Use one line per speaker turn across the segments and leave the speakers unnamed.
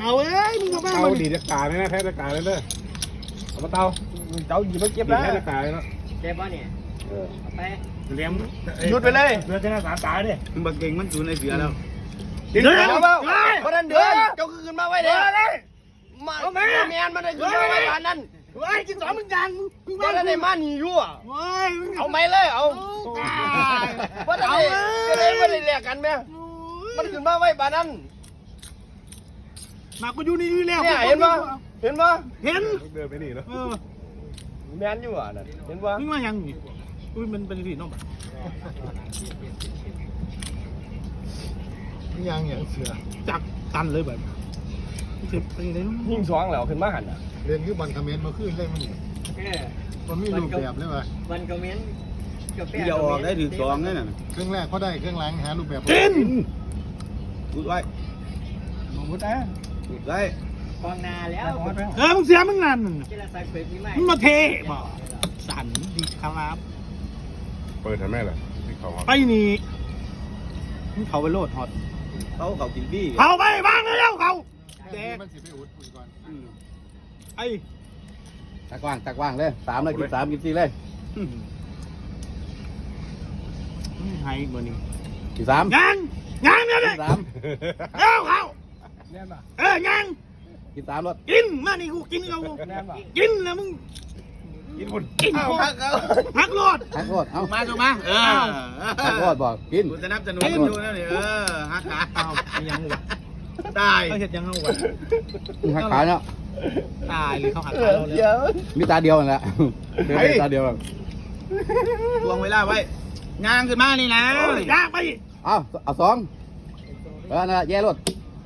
เอาเอ้ยมึงมาบ้า
เตาดีจะกาเลยนะแท้จะกาเลยเด้อเอามาเตา
เจ้าหยิบมาเก็บ
ดี
แล้ว
แท้จะกาเลยเนาะ
เจ็บป่ะเนี่ยไป
เลี้ยง
หยุดไปเลย
เสือจะน่าสามตาดิ
มึงบักเก่งมันสูนในเสือแล้ว
เดี๋ยวเปล่าเพราะนั้นเดือนเจ้าขึ้นมาไว้เด้มาแมนมาได้ขึ้นมาไว้บ้านนั้นเฮ้ยกินสองมึงยังมึงมาได้มาหนียั่วเอาไหมเลยเอาว่าเอาจะได้ไม่ได้แลกกันไหมมันขึ้นมาไว้บ้านนั้นมากูอยู่นี่แล้วเนี่ยเห็นปะเห็นปะเห็น
เดินไปนี่เนาะ
แมนอยู่อ่ะนั่นเห็นปะมึงมายังนี่อุ้ยมันเป็นสีน้องแบบยังเนี่ยเสือจักตันเลยแบบเจ็บไปเลยยิ่งสว่างแล้วขึ้นมาหันอ่ะ
เรียนคือบันคอมเมนต์มาขึ้นได้มั้ยมันมีรูปแบบเลยวะ
วันคอมเมนต์กับแป้
เดี๋ยวออกได้ถึงสองนี่น่ะ
เครื่องแรกก็ได้เครื่องหลังหารูปแบบ
กิน
พูดไว้
มองมุดนะ
พูดไว้
กองนาแล้ว
มึงเสียมึงนั่น
ที่เราใส่เปลือกนี่ไหม
มึงมาเทบ่สันดีครับ
เปิดทำแม่เลยที่เขา
ไปนี่มึงเขาไปโลดฮอต
เขากินบี้
เขาไปบ้างแล้วเขาแดก
มันสิไปอุดก่อน
ไอ้
ตะกว้างเลย3เลยกิน3กิน4เลย
ไฮเบอร์นี้
กิน3
ยังเนี่ยเลยเอาเขายัง
กิน3รถ
กินมานี่กูกินเขากินแล้วมึง
กินบุญ
กินพักโลด
ฮักรถเอ้า
มาถูกมา
ฮักรถบอกกิน
กูจะนับจะหนุนอยู่นั่นนี่ฮักขา
เอายังเลย
ตาย
เขาเห็ดยังเอาวะ
ฮักขาเนาะ
ตายเลยเขาหักขาเราเลย
มีตาเดียวนั่นแหละเดินตาเดียว
ทวงเวลาไว้งางขึ้นมานี่นะ
ยากไป
เอา2นั่นแหละแย่รถ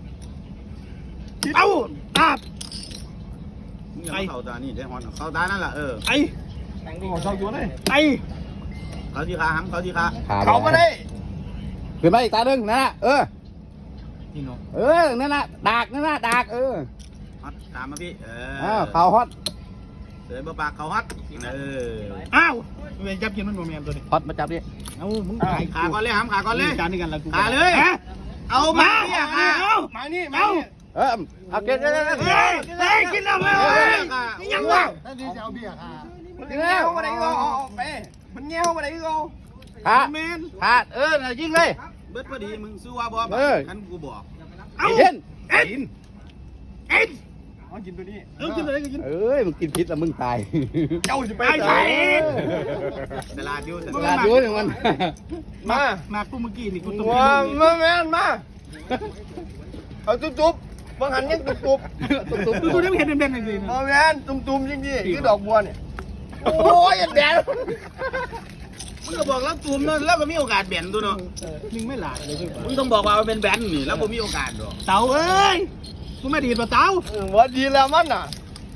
เอาตาบ
มึงอย่าเข้าตานี่ได้ฮอนเข้าตานั่นแหละ
ไอ้ไอ้
เขาที่ขาหังเขาที่ขา
เขาไม่ได้
ขึ้นมาอีกตาหนึ่งนั่นน่ะ
พี่น้อง
นั่นน่ะดากนั่นน่ะดาก
ฮอตตามมาพี่
ข่าวฮอต
เดินปากเขาฮอต
อ้าวเวรจับกินมันโมเมนตัวนี้
ฮอตมาจับดิ
เอามึงตาย
ขาก่อนเลยหำขาก่อนเลย
จานนี้กันละกู
ขาเลยเอามาพี่ขา
มานี่มา
เอาเกิน
เฮ้ยกินแล้วยังวะ
นั่นที่จะเอาเบี้ยค่ะ
มันเงี้ยวมาไหนก็ไปมันเงี้ยวมาไหนก็
ขาด
เมน
ขาดยิงเลย
เบิดพอดีมึงสู้ว่าบอขันกูบอก
เอา
เอ็น
เอ็นเอ็นเอากินตัวนี้กินอะไรก็กิน
มึงกินพิษแล้วมึงตาย
เจ้าจะไปไหน
ตลาดอยู่
ตลาดอยู่อย่างมัน
มากูเมื่อกี้นี่กู
มาแม่นมาเอาจุ๊บบางหันยังจุ๊บ
กูได้เห็นเด่นๆเลยนะ
มาแม่นตุ่มๆจริงๆคือดอกบัวเนี่ยโอ้ยแดด
มึงก็บอกแล้วตูมนั่นแล้วก็มีโอกาสแบนตัวเนาะ
มึงไม่หลาเลย
มึงต้องบอกว่ามันเป็นแบนนี่แล้วผมมีโอกาสหรอ
เต่าเอ้ยกูไม่ดีป่ะเต่า
ว่าดีแล้วมันน่ะ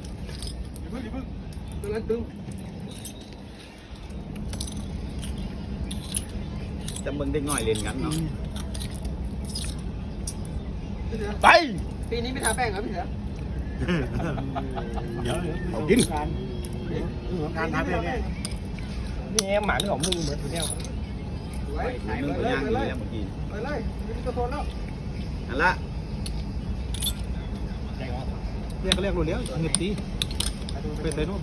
จะมึงได้ง่อยเล่นกันเนาะ
ไป
ปีนี้ไม่ทาแป้งเหรอพี่เสือ
เอากิน
การทำเนี่ยนี่หมาของมึงเหมือนตัวเนี้ย
มึงก็ย่างอยู่แล้วเมื่อกี้
ไปเลยจะโทนแล้ว
นั่นละ
เรียกก็เรียกรู้แล้วเงียบตีไปใส่นู่น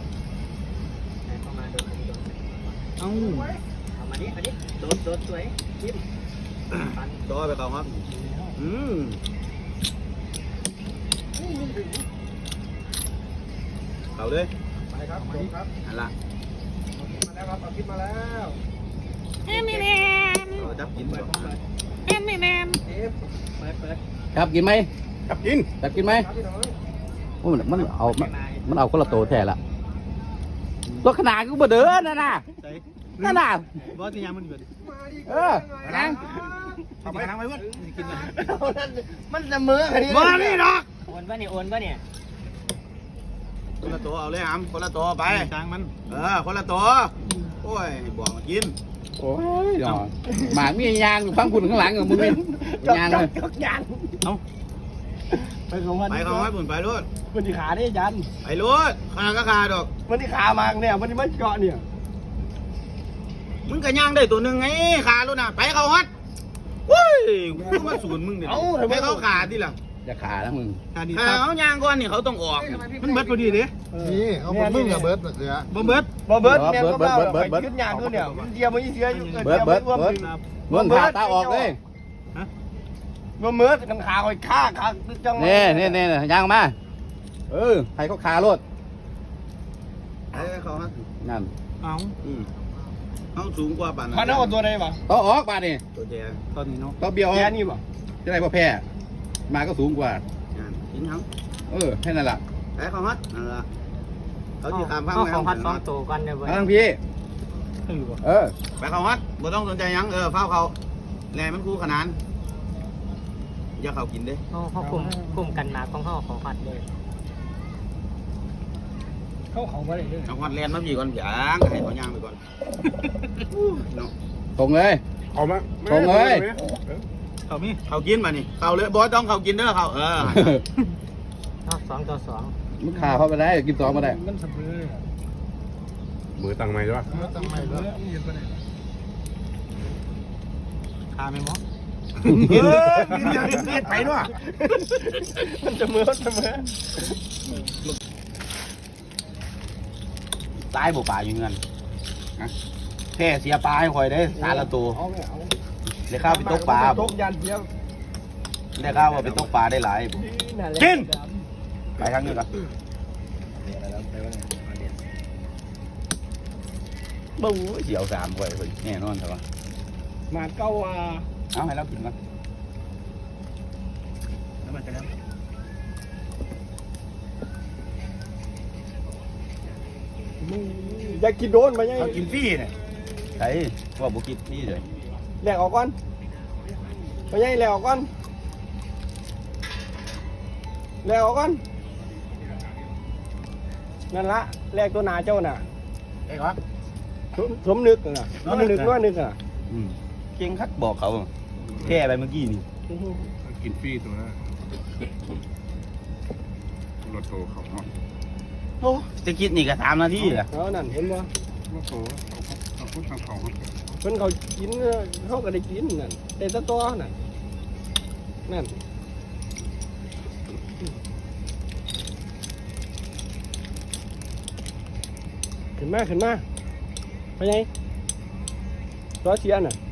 เอา
มาดิโดดสวยยิ้ม
ตัวไปเขาครับเขาเลย
ไปครับครับ
นั่นละ
มาแล้วครับคิดมาแล้ว
จับกินก่อน
เปิด
ครับกินไหม
กับกิน
จับกินไหมมันเอาคนละโตแท้ละตัวขนาดกูบ่เดินน่ะนั่นน่ะ
บอสที่ยังมันอยู่ดิ
ยัง
ทำไปนั่งไปวะกินเลย
มันจะมืออันนี้
มานี่ดอก
โอนป่ะเนี่ย
คนละตัวเอาเลยครับคนละตัวไป
จางมัน
คนละตัวโอ้ยบอกมากิน
โอ้ยหมากมียางอยู่ข้างคุณข้างหลังของมึงนี่ยางเลย
เอาไปของมัน
ไปเขาให้บุญไปรถ
มันที่ขาได้ยัน
ไปรถขาก็ขาดอก
มันที่ขามาเนี่ยมันที่มันเกาะเนี่ย
มึงก็ย่างได้ตัวหนึ่งไงขาลูกน่ะไปเขาฮัดเฮ้ยกูมาสูนมึงเนี่ยให้เขาขาที่หลัง
จะขาแล้วมึง
เขายางก่อนนี่เขาต้องออกมันเบิดพอดีดิ
นี่เขาบอกมึงกับเบิร์ดเสือ
บ่เบิด
บ่เบิร์ดแม่ก็เบ้าขึ้นยางขึ้นเนี่ยมันเดียวมันเสียอยู่
เบิดมึงขาตาออกเลย
บ่เบิร์ดกันขาคอยฆ่าจัง
นี่ย่างมาให้เขาขาโลด
เขาฮะ
นั่น
เขาสูงกว่าป่าน
พันเอาตัวใดบ่
ต้องออกบาดนี่
ตัวแจตอนนี้เนาะ
ต้องเบี้ยวออ
แค่
ก
นี้บ่
จะได้พ่อแพ้มาก็สูงกว่า
กินเขา
แค่นั้นแหละ
ไอ้เขาฮัดนั่นละเขาจะตามข้าง
ของพัด2ตัวกันเด้อเว้ย
ทั้งพี่
ไปเขาฮัดบ่ต้องสนใจยังเฝ้าเขาแรงมันคู่ขนานอย่าเขากินเด้
เขาคุมกันมาของเฮาของพัดเลย
เขาบ่ได้เด้อ
เอาฮัดแลนมาพี่ก่อนอย่างให้เขาย่างไปก่อนเนาะ
ตรงเลย
เอามา
เขามีเขากินมานี่เขาเลยบ่ต้องเขากินเด้อเขา
2ต่อ
มึงขาเข้าไปได้กิน2มาได้
มันสะเบือ
มือตั้งไม้ใช่ปะ
ตั้งไม่เด้อ
คาไม่มอ
ไปด้วย
มันเสมอ
ตายบ่ป่าอยู่เงินแพ้เสียปลาให้คอยได้สารละตัว
เอาเอา
ได้ข้าวไปตกปลา
ตกยันเดียว
ได้ข้าวว่าไปตกปลาได้หลาย
กิน
ไปทางนี้ก่อนบู๊เสียว3ไว้เแน่นอนใช่ปะ
มาเก้าว่า
เอาให้เรากินก่อน
แล้วมันจะแล้ว
มึงอยากกินโดนมายัง
เขากินฟรีเนี่ย
ไอ้ว่าบุกิดนี่เลย
แหลกออกก่อนมายังแหลกออกก่อนแหลกออกก่อนนั่นละแหลกตัวหนาเจ้าน่ะ
ไอ้ครับ
สมนึกน่ะมันนึกว่านึกอ่ะ
เก่งคักบอกเขาแพ้ไปเมื่อกี้นี่
กินฟรีตัวนั้นรถโตเขาเนาะ
โอ้จะคิดนี่ก็3 นาทีแหละ
เอานั่นเห็นบ่
รถโตเขาพูดทางเขา
เพิ่นเขากินเขาก็ได้กินนั่นแต่ตะตัวนั่นนั่นขึ้นมาไปยังตัวเชียนน่ะ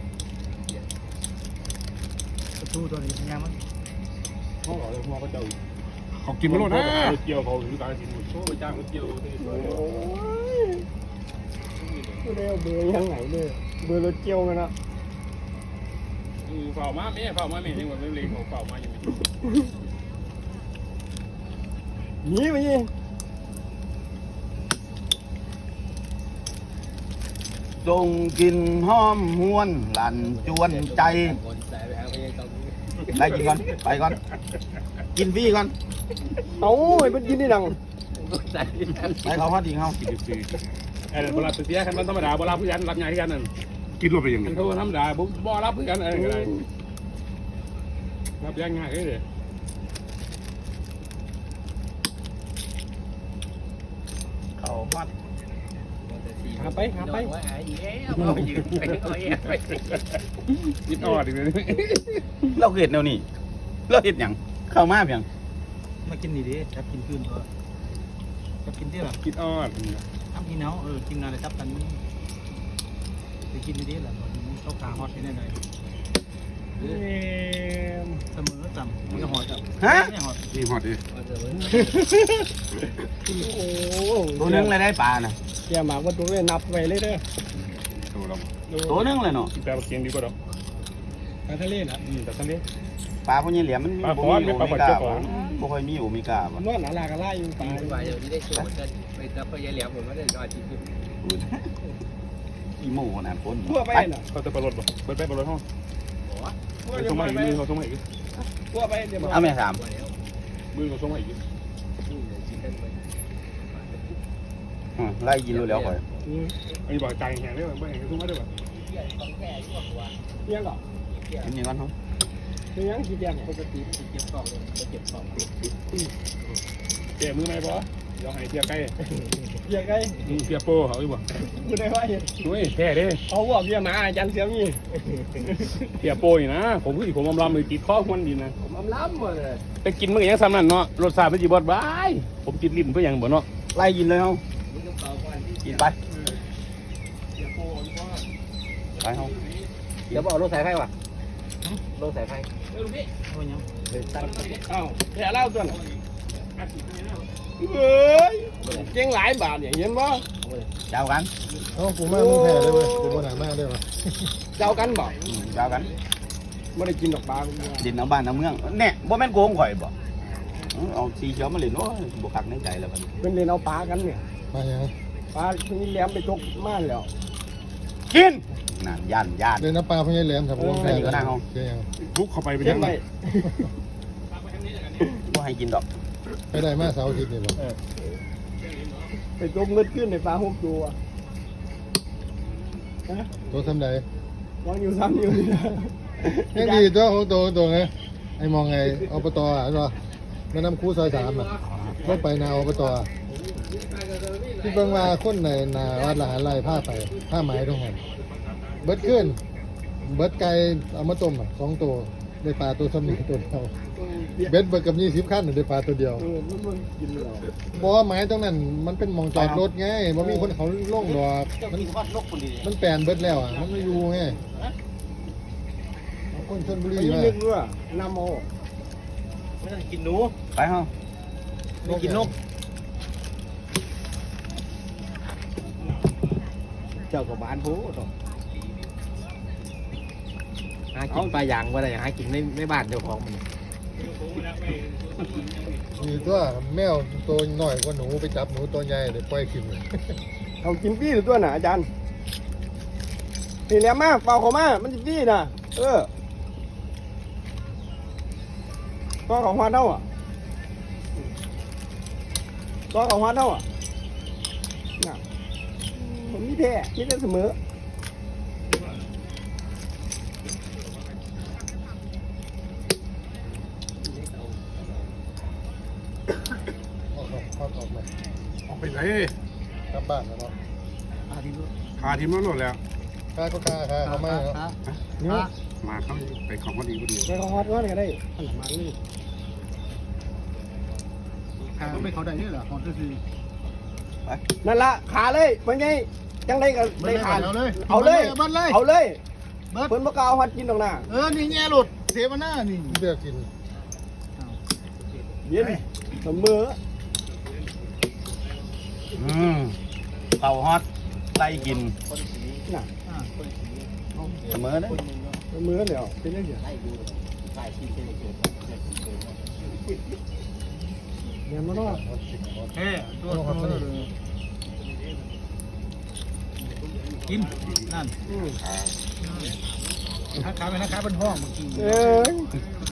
ตู้ตัวนี้ยังมั้ง
เขาบอกเลยว่าเขาจะเขากินไม่หมดนะเกี่ยวเขาคือการกินโชว์จ้างเกี่ยว
โอ้ยไม่ได้เอาเบอร์ยังไงเลยเบอร์รถเกี่ยวมันนะ
เฝ้ามาแม่ยังว่าไม่เลี้ยงเขาเฝ้ามายังไม่
หนีไปยิง
จงกินหอมหวนหลั่นจวนใจได้กินก่อนไปก่อน
กินฟรีก่อน
เอาไอ้เพิ่นกินได้ดัง
ไปเขาฮอดอีกเฮา
กินฟรีไอ้เวลาเสียคันมันธรรมดาเวลาผู้ยันรับงานที่กันนั่นกินรวมไปยังไงมันธรรมดาบ่รับผู้ยันอะไรก็ได้รับยังง่ายเลย
เขาวัดหาไป
นิดออดอีกเลย
เราเห็ดแนวนี้เราเห็ดหยังเข้ามาเพียง
มากินนี่ดิจับกินคืนเถอะจับกินที่หรอ
คิดออด
ทำกินเนาะกินอะไรจับกันไปกินนี่ดิแหละเขาขาฮอตนี่ได้เสมอจำมันก็ฮอตจับไม่ฮอต
นี่ฮอดดิ
โอ้
ตัวนึงเลยได้ปลาน่ะ
แกหมากว่าตัวเลยนับไว้เลยเด้อ
ตัวเรา
ตัวนึงเลยเนาะ
แต่เกียงดีกว่าดอก
ปลาทะเลน่ะ
แต่ตอนนี้
ปลาพวกนี้เหลี่ยมมันมี
ปลา
บ่
ขอน
มี
ไม่
โอ
ปลา
เม
ขอด
ก้า
เจ้าข
บ่
อง
บ่ค่อยมีโอเมก้าบ่
นวดหนาลากระไล่อยู่ปลา
เดี๋ยวนี้ได้สูตรกันไปรับไปยายเหลี่ยมผมไม่ได้อาทิตย์
อีโม่ขนาดคน
ทั่วไปน่ะ
เขาจะปลารถบ่ไปปลารถห้องเขาส่งมาอีกมือเขาส่งมาอีก
ทั่วไปเดี๋ยว
เอาแม่ถาม
มือเขาส่งมาอีก
ไล่ยินรู้แล้วข่อย
อันนี้บอกใจแห้งได้ป่ะไม่แห้งส่งมาได้ป่ะ
เลี้ยงก่อน
กินนี่ก่อนเฮา
เลี้ยงกี่เดือนปกติ
เก็บกล่องเลยเก็บกล่อง
แกมือไหมบอเดี๋ยวให้เทียบใกล้
เบียร์ไง
เสียโป้เขาอีกบ่
กูได้ว่าเห็น
ด้วยแท้เด้
เขาบอกเบียร์หมาอาจารย์เสียมี
เสียโป้นี่นะผมคือผมอำลำเลยติดข้อควนดีนะ
ผมอำล้ำหมดเลย
ไปกินมันก็ยังซ้ำนั่นเนาะรสชาติมันสิบ่บายผมติดลิ้นเพื่อหยังบ่เนาะ
ไล่กินเลยเฮากินไปไปเฮา
เดี๋ยวบอกรถสายไฟว่ะรถสายไฟ
อ้าวแค่เล่าตัวน่ะเฮ้ยเจ๊งหลายบาทเนี่ยเห็นบ่
เจ้ากัน
เอ้ากูมามึงแพ้เลยเว้ยกูมาหนามาได้ปะ
เจ้ากันบ่
เจ้ากัน
ไม่ได้กินดอกปลา
ดินเอาบ้านเอาเมืองแน่บ่แม่นโกงข่อยบ่เอาสีเขียวมาเล่นโอ้ยบ่คักในใจแล้วบัดนี้
เป็นเล่นเอาปลากันเนี่ย
มาอย่าง
ปลาที่นี่แหลมไปจกม่านแล้ว
กินนั่นย่าน
เลยน้ำปลาพญายแหลมครับผมแพ้
ก็ได้เอา
เจ๊ยัง
ทุกเข้าไปเป็น
เจ๊
ยัง ง
ไป
ไง
บ่ให้กินดอก
ไปได้มาเสาร์อาทิตย์นี่บ่
ไปจกเงินขึ้นในปลาหกตัว
ตัวทำใด
วางอยู่ซ้ำอยู่นี่นะ
ยังดีตัวของตัวไงไอ้มองไงอบตอ่ะใช่ป่ะแม่น้ำคูซอย3อ่ะรถไปนาอบตที่เบิ่งมาคนในนาวัดละหารไร่ผ้าไปผ้าไหมตรงนั้นเบิดขึ้นเบิดไก่เอามาต้มอ่ะ2 ตัวได้ปลาตัวสมิงตัวเดียวเบ็ดเบิดกับ20 คันได้ปลาตัวเดียว
มันกินเลย
บอกว่าไม้ตรงนั้นมันเป็นหมองจอดรถไงมันมีคนเขาล่องดอกมันแปลนเบิดแล้วอ่ะมันไม่อยู่ไงคนชลบุรี
มัน
มา
นึกด้วยน้ำโม
กินหนูไปเฮาไม่กินนก
เจ้ากับบ้านผู้ต่อหากินปลาย่างว่าอะไรหากินในบ้านเจ้าของมัน
มีตัวแมวตัวน้อยกว่าหนูไปจับหนูตัวใหญ่เดี๋ยวปล่อยกินเลย
เอากินปี้หรือตัวหนาอาจารย์นี่แหลมมาเปล่าเขามามันจะปี้นะตัวของฮอดเท่าอ่ะตัวของฮอดเท่าอ่ะน่ะผมมีแท้มีแต่เสมอ
ออกมา
ออกไปไหน
กลับบ้านแล้วเนาะ
พาทีมมาโหลดแล้ว
ค่าก็ค่าเขาไม่เนาะ
เนี่ย
มาเข้าไปของพอดีพอดี
ไปของฮอดก็ได้ขนาดมาเลย
ไม่เขาได้นี่เหรอของที่
นั่นละขาเลยมันไงจังได้กับได้ขาเอาเลย
เอาเลย
เอาเลยเพิ่นบ่กล้าเอาฮอดกินตรงหน้า
นี่แง่หลุดเสียมาหน้านี่เลือกกิน
เย็นเสมอ
เป่าฮอตไล่กิน
น่ะ
เสมอเด้อ
เสมอแล้วเป็นจังซี่เดี๋ยวมาเนาะ
ตัวกินนั่นขาเป็นห้อง
เอ้ย